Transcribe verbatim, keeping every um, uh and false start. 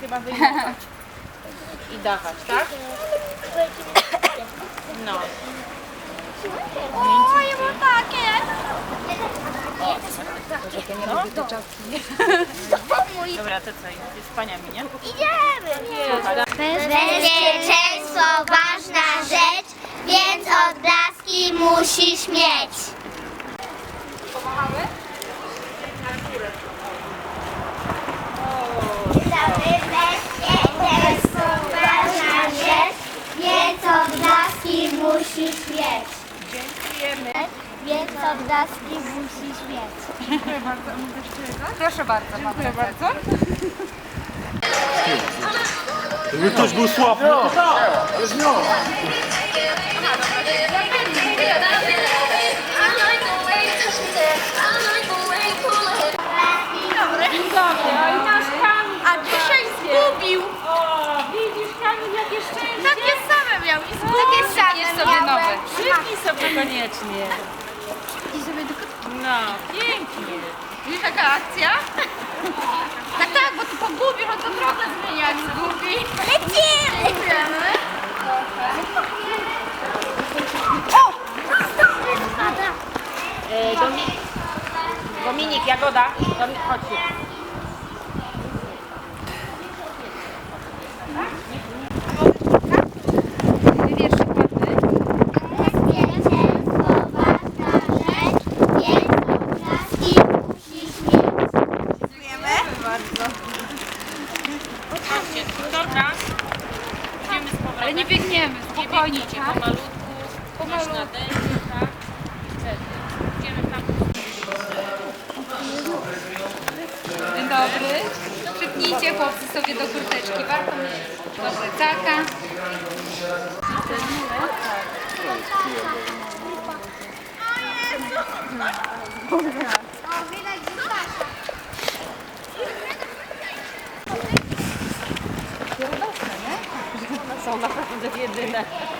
chyba wyjmować i dawać, tak? No. O, ja mam takie! Dobra, to co? Jest z paniami, nie? Idziemy! Bezpieczeństwo ważna rzecz, więc odblaski musisz mieć. Bezpieczeństwo ważna rzecz, więc odblaski musisz mieć. Dziękujemy. Więc odblaski musisz mieć. Dziękuję bardzo. A mogę jeszcze jedno? Proszę bardzo. Dziękuję bardzo. Jakby ktoś był sławny. Dzień dobry. Oj, nasz Kamil. A dzisiaj zgubił! O, widzisz Kamil, jakie szczęście. Takie same miał i zgubił. Takie same jest sobie nowe. Przypnij sobie koniecznie. I sobie do No, pięknie. Widzisz jaka akcja? Tak, tak, bo ty pogubisz, on to drogę zmienia, jak zgubi. Lecimy! Dziękujemy. E, Dominik, Dominik, Jagoda. Dominik, chodź tu. Bezpieczeństwo ważna rzecz, więc odblaski musisz mieć. Chodźcie, dobra. Idziemy z powrotem. Ale nie biegniemy, Nie spokojnie, biegnijcie, tak? pomalutku. Masz na dęcie, tak? I wtedy. Idziemy tam. Dzień dobry. Przypnijcie chłopcy sobie do kurteczki. Warto mieć do plecaka. O, widać, że Sasza. Są naprawdę jedyne.